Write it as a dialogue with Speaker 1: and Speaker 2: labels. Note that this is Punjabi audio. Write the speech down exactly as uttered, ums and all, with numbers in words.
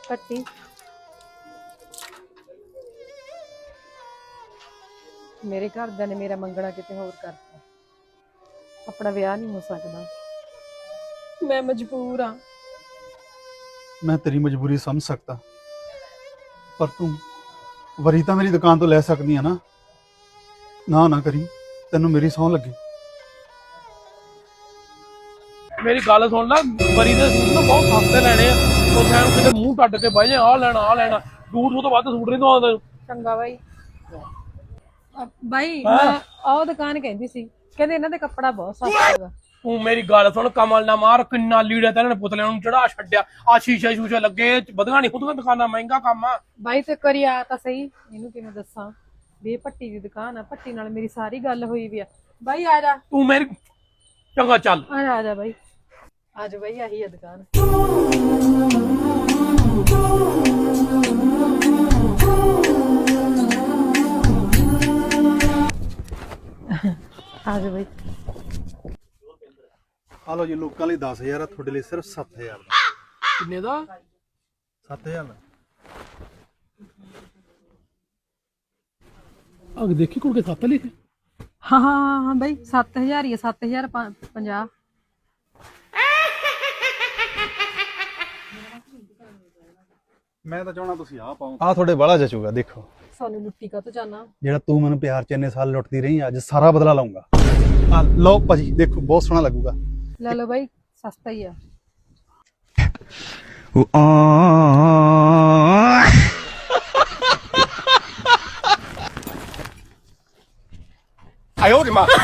Speaker 1: पट्टी मेरे घरदिਆਂ ने मेरा मंगना किते होर करता अपना विआह नहीं हो सकता मैं मजबूर हाँ
Speaker 2: मैं तेरी मजबूरी समझ सकता पर तू वरी तो मेरी दुकान तो लै सकदी है ना ना ना करी तेनों मेरी सौं लगे
Speaker 3: मेरी गल सुन ला वरी दे सूट ना बहुत सस्ते लेने आ ਉਹ ਸੈਮ ਕਿਤੇ ਮੂੰਹ ਟੱਡ ਕੇ ਬਹਿ ਜਾ ਆ ਲੈਣਾ ਆ ਲੈਣਾ ਦੂਰ ਤੋਂ ਵੱਧ ਸੂਟ ਨਹੀਂ ਦਵਾਉਂਦਾ
Speaker 1: ਚੰਗਾ ਬਾਈ ਬਾਈ ਮੈਂ ਆਹ ਦੁਕਾਨ ਕਹਿੰਦੀ ਸੀ ਕਹਿੰਦੇ ਇਹਨਾਂ ਦੇ ਕੱਪੜਾ ਬਹੁਤ ਸਸਤਾ ਹੈਗਾ
Speaker 3: ਤੂੰ ਮੇਰੀ ਗੱਲ ਸੁਣ ਕਮਲ ਨਾ ਮਾਰ ਕਿੰਨਾ ਲੀੜਾ ਤਾਂ ਇਹਨਾਂ ਨੇ ਪੁਤਲਿਆਂ ਨੂੰ ਚੜਾ ਛੱਡਿਆ ਆ ਸ਼ੀਸ਼ੇ ਸ਼ੂਸ਼ੇ ਲੱਗੇ ਵਧਗਾ ਨਹੀਂ ਖੁਦ ਦੁਕਾਨਾਂ ਮਹਿੰਗਾ ਕੰਮ ਆ
Speaker 1: ਬਾਈ ਤੇ ਕਰੀ ਆ ਤਾਂ ਸਹੀ ਇਹਨੂੰ ਕਿਵੇਂ ਦੱਸਾਂ ਵੀ ਇਹ ਭੱਟੀ ਦੀ ਦੁਕਾਨ ਆ ਭੱਟੀ ਨਾਲ ਮੇਰੀ ਸਾਰੀ ਗੱਲ ਹੋਈ ਵੀ ਆ ਬਾਈ ਆ ਜਾ
Speaker 3: ਤੂੰ ਮੇਰੀ ਚੰਗਾ ਚੱਲ
Speaker 1: ਆ ਜਾ ਆ ਜਾ ਬਾਈ ਆ ਜਾ ਬਾਈ ਆਹੀ ਆ ਦੁਕਾਨ ਆ ਜਾ ਬਾਈ
Speaker 2: ਆ ਲਓ ਜੀ ਲੋਕਾਂ ਲਈ दस हज़ार ਆ ਤੁਹਾਡੇ ਲਈ ਸਿਰਫ सत्त हज़ार ਦਾ
Speaker 3: ਕਿੰਨੇ ਦਾ
Speaker 2: सत्त हज़ार ਦਾ
Speaker 3: ਅਗ ਦੇਖੀ ਕੁੜ ਕੇ ਸੱਤ ਲਿਖੇ
Speaker 1: ਹਾਂ ਹਾਂ ਹਾਂ ਬਾਈ ਸੱਤ ਹਜ਼ਾਰ ਹੀ ਆ ਸੱਤ ਹਜ਼ਾਰ ਪੰਜਾਹ
Speaker 2: ਮੈਂ ਤਾਂ ਚਾਹਣਾ ਤੁਸੀਂ ਆ ਪਾਓ ਆ ਤੁਹਾਡੇ ਬਾਲਾ ਜਚੂਗਾ ਦੇਖੋ
Speaker 1: ਸਾਨੂੰ ਲੁੱਟੀ ਕਾ ਤੋਂ ਜਾਣਾ
Speaker 2: ਜਿਹੜਾ ਤੂੰ ਮੈਨੂੰ ਪਿਆਰ ਚ ਇੰਨੇ ਸਾਲ ਲੁੱਟਦੀ ਰਹੀ ਅੱਜ ਸਾਰਾ ਬਦਲਾ ਲਾਉਂਗਾ ਆ ਲਓ ਭਾਜੀ ਦੇਖੋ ਬਹੁਤ ਸੋਹਣਾ ਲੱਗੂਗਾ
Speaker 1: ਲੈ ਲਓ ਬਾਈ ਸਸਤਾ ਹੀ ਆ
Speaker 3: ਆਇਓ ਰੇ ਮਾਂ